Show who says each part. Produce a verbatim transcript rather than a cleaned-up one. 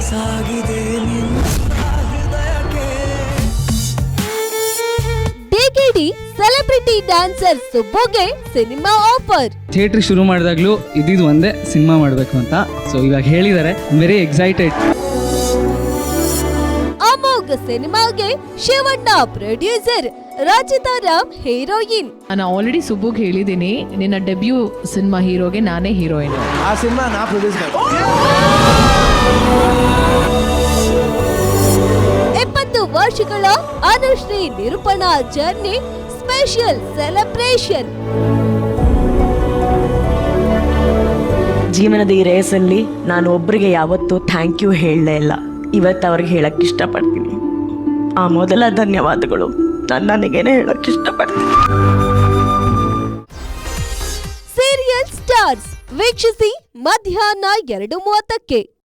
Speaker 1: ಸಾಗಿದೆ
Speaker 2: DKD celebrity dancer ಸುಬ್ಬುಗೆ cinema offer.
Speaker 3: Theatre ಶುರು ಮಾಡಿದಾಗ್ಲೂ ಇದ್ದಿದ್ದು ಒಂದೇ ಸಿನಿಮಾ ಮಾಡಬೇಕು ಅಂತ. ಸೊ ಇವಾಗ ಹೇಳಿದ್ದಾರೆ, ವೆರಿ ಎಕ್ಸೈಟೆಡ್.
Speaker 2: ಅಮೋಘ ಸಿನಿಮಾಗೆ ಶಿವಣ್ಣ ಪ್ರೊಡ್ಯೂಸರ್, ರಚಿತಾ ರಾಮ್ ಹೀರೋಯಿನ್.
Speaker 4: ನಾನು ಆಲ್ರೆಡಿ ಸುಬ್ಬುಗ್ ಹೇಳಿದ್ದೀನಿ, ನಿನ್ನ ಡೆಬ್ಯೂ ಸಿನಿಮಾ ಹೀರೋಗೆ ನಾನೇ ಹೀರೋಯಿನ್.
Speaker 5: ಆ ಸಿನಿಮಾ ನಾ ಪ್ರೊಡ್ಯೂಸ್ ಮಾಡ್ತೀನಿ.
Speaker 2: ಇಪ್ಪತ್ತು ವರ್ಷಗಳ ಅನುಶ್ರೀ ನಿರೂಪಣಾ ಜರ್ನಿ ಸ್ಪೆಷಲ್ ಸೆಲೆಬ್ರೇಷನ್.
Speaker 6: ಜೀವನದ ಈ ರೇಸಲ್ಲಿ ನಾನು ಒಬ್ಬರಿಗೆ ಯಾವತ್ತೂ ಥ್ಯಾಂಕ್ ಯು ಹೇಳಲೇ ಇಲ್ಲ. ಇವತ್ತು ಅವ್ರಿಗೆ ಹೇಳಕ್ಕೆ ಇಷ್ಟಪಡ್ತೀನಿ. ಆ ಮೊದಲ ಧನ್ಯವಾದಗಳು ನಾನು ನನಗೇನೆ ಹೇಳಕ್ಕೆ ಇಷ್ಟಪಡ್ತೀನಿ.
Speaker 2: ಸೀರಿಯಲ್ ಸ್ಟಾರ್ಸ್ ವೀಕ್ಷಿಸಿ ಮಧ್ಯಾಹ್ನ ಎರಡು ಮೂವತ್ತಕ್ಕೆ.